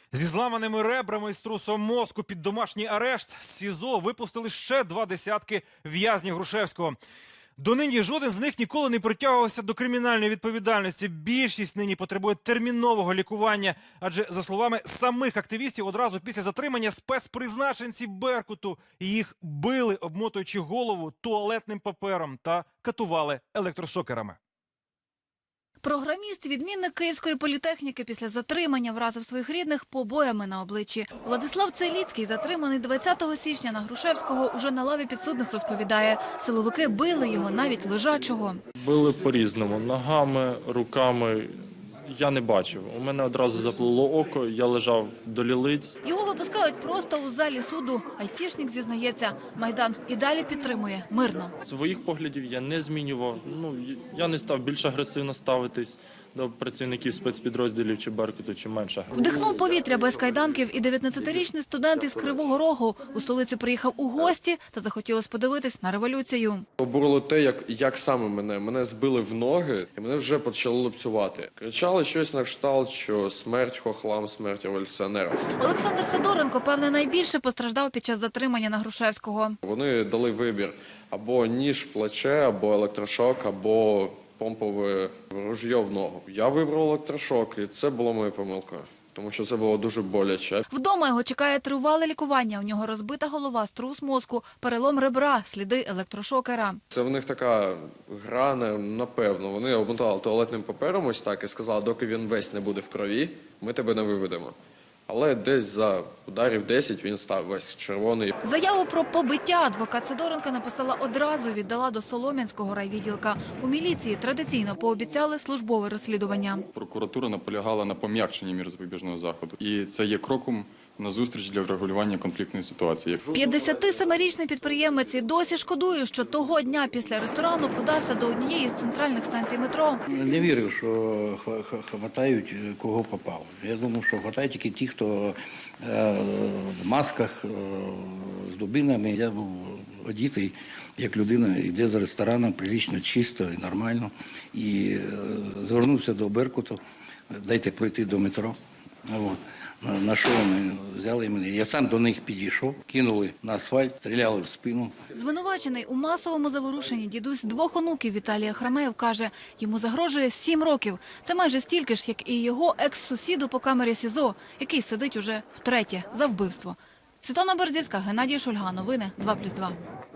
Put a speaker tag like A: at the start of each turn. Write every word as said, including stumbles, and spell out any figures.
A: Зі зламаними ребрами і струсом мозку під домашній арешт з СІЗО випустили ще два десятки в'язнів Грушевського. Донині жоден з них ніколи не притягувався до кримінальної відповідальності. Більшість нині потребує термінового лікування. Адже, за словами самих активістів, одразу після затримання спецпризначенці «Беркуту» їх били, обмотуючи голову туалетним папером та катували електрошокерами.
B: Програміст, відмінник Київської політехніки, після затримання вразив своїх рідних побоями на обличчі. Владислав Целіцький, затриманий двадцятого січня на Грушевського, уже на лаві підсудних розповідає. Силовики били його навіть лежачого.
C: Били по-різному. Ногами, руками. Я не бачив. У мене одразу заплило око, я лежав до лілиць.
B: Його випускають просто у залі суду. Айтішник зізнається, Майдан і далі підтримує мирно.
C: Своїх поглядів я не змінював. Ну, я не став більш агресивно ставитись до працівників спецпідрозділів чи «Беркуту», чи менше.
B: Вдихнув повітря без кайданків і дев'ятнадцятирічний студент із Кривого Рогу. У столицю приїхав у гості та захотілось подивитись на революцію.
D: Обурило те, як, як саме мене. Мене збили в ноги і мене вже почали лупцювати. Кричали щось на кшталт, що смерть хохлам, смерть революціонерам.
B: Олександр Сидоренко, певне, найбільше постраждав під час затримання на Грушевського.
D: Вони дали вибір або ніж в плече, або електрошок, або помпове ружье в ногу. Я вибрав електрошок, і це було моєю помилкою, тому що це було дуже боляче.
B: Вдома його чекає тривале лікування. У нього розбита голова, струс мозку, перелом ребра, сліди електрошокера.
D: Це в них така гра, напевно. Вони обмотали туалетним папером ось так і сказали, доки він весь не буде в крові, ми тебе не виведемо. Але десь за ударів десять він став весь червоний.
B: Заяву про побиття адвокат Сидоренка написала одразу, віддала до Солом'янського райвідділка. У міліції традиційно пообіцяли службове розслідування.
E: Прокуратура наполягала на пом'якшенні мір запобіжного заходу. І це є кроком на зустріч для врегулювання конфліктної ситуації.
B: п'ятдесятисемирічний підприємець і досі шкодує, що того дня після ресторану подався до однієї з центральних станцій метро.
F: Не вірив, що хватають кого попав. Я думав, що хватають тільки ті, хто в масках, з дубинами. Я був одітий, як людина, йде з ресторану, прилично, чисто і нормально. І звернувся до «Беркуту», дайте пройти до метро. От. На що вони взяли мене? Я сам до них підійшов, кинули на асфальт, стріляли в спину.
B: Звинувачений у масовому заворушенні дідусь двох онуків Віталія Храмеєв каже, йому загрожує сім років. Це майже стільки ж, як і його екс-сусіду по камері СІЗО, який сидить уже втретє за вбивство. Світлана Берзівська, Геннадій Шульга. Новини два плюс два.